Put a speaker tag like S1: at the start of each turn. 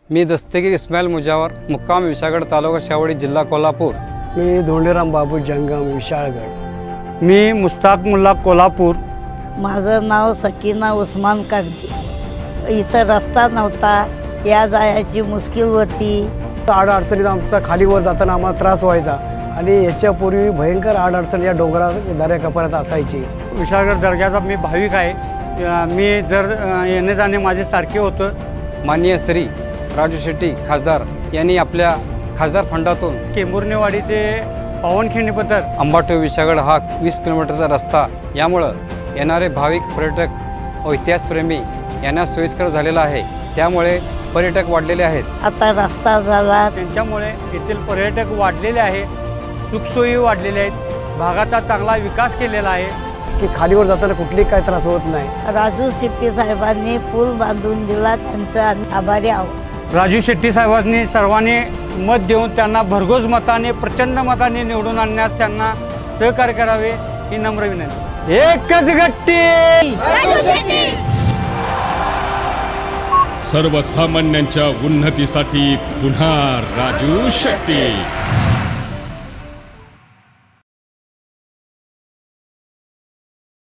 S1: मी दस्तगीर इस्माईल मुजावर, मुक्काम विशाळगड, तालुका शावडी, जिल्हा कोल्हापूर।
S2: मी धोंडीराम बाबू जंगम, विशाळगड।
S3: मी मुस्ताक मुल्ला, कोल्हापूर।
S4: माझं नाव सकीना उस्मान कागदी। इथं रस्ता नव्हता, या जायची मुश्किल होती।
S2: अडचणीत आमचा खालीवर जाताना आम्हाला त्रास व्हायचा आणि याच्यापूर्वी भयंकर अडचण या डोंगरा दऱ्या कपारात असायची।
S3: विशाळगड दर्ग्याचा मी भाविक आहे। मी जर येणे जाणे माझे सारखे होतं।
S1: माननीय श्री राजू शेट्टी खासदार यांनी आपल्या खासदार फंडातून
S3: केंबुर्नेवाडी ते पावनखिंडीपर्यंत
S1: अंबाटो विशाळगड हा 20 किलोमीटरचा रस्ता, यामुळं येणारे भाविक, पर्यटक व इतिहासप्रेमी यांना सोयीस्कर झालेला आहे। त्यामुळे पर्यटक वाढलेले आहेत।
S4: आता रस्ता झाला,
S3: त्यांच्यामुळे येथील पर्यटक वाढलेले आहे, सुखसोयी वाढलेल्या आहेत, भागाचा चांगला विकास केलेला आहे
S2: की खालीवर जाताना कुठलीही काय त्रास होत नाही।
S4: राजू शेट्टी साहेबांनी पूल बांधून दिला, त्यांचं आम्ही आभारी आहोत।
S3: राजू शेट्टी साहेबांनी सर्वांनी मत देऊन त्यांना भरघोस मताने, प्रचंड मताने निवडून आणण्यास त्यांना सहकार्य करावे ही नम्र विनंती। एकच गट्टी
S5: सर्वसामान्यांच्या उन्नतीसाठी पुन्हा राजू शेट्टी।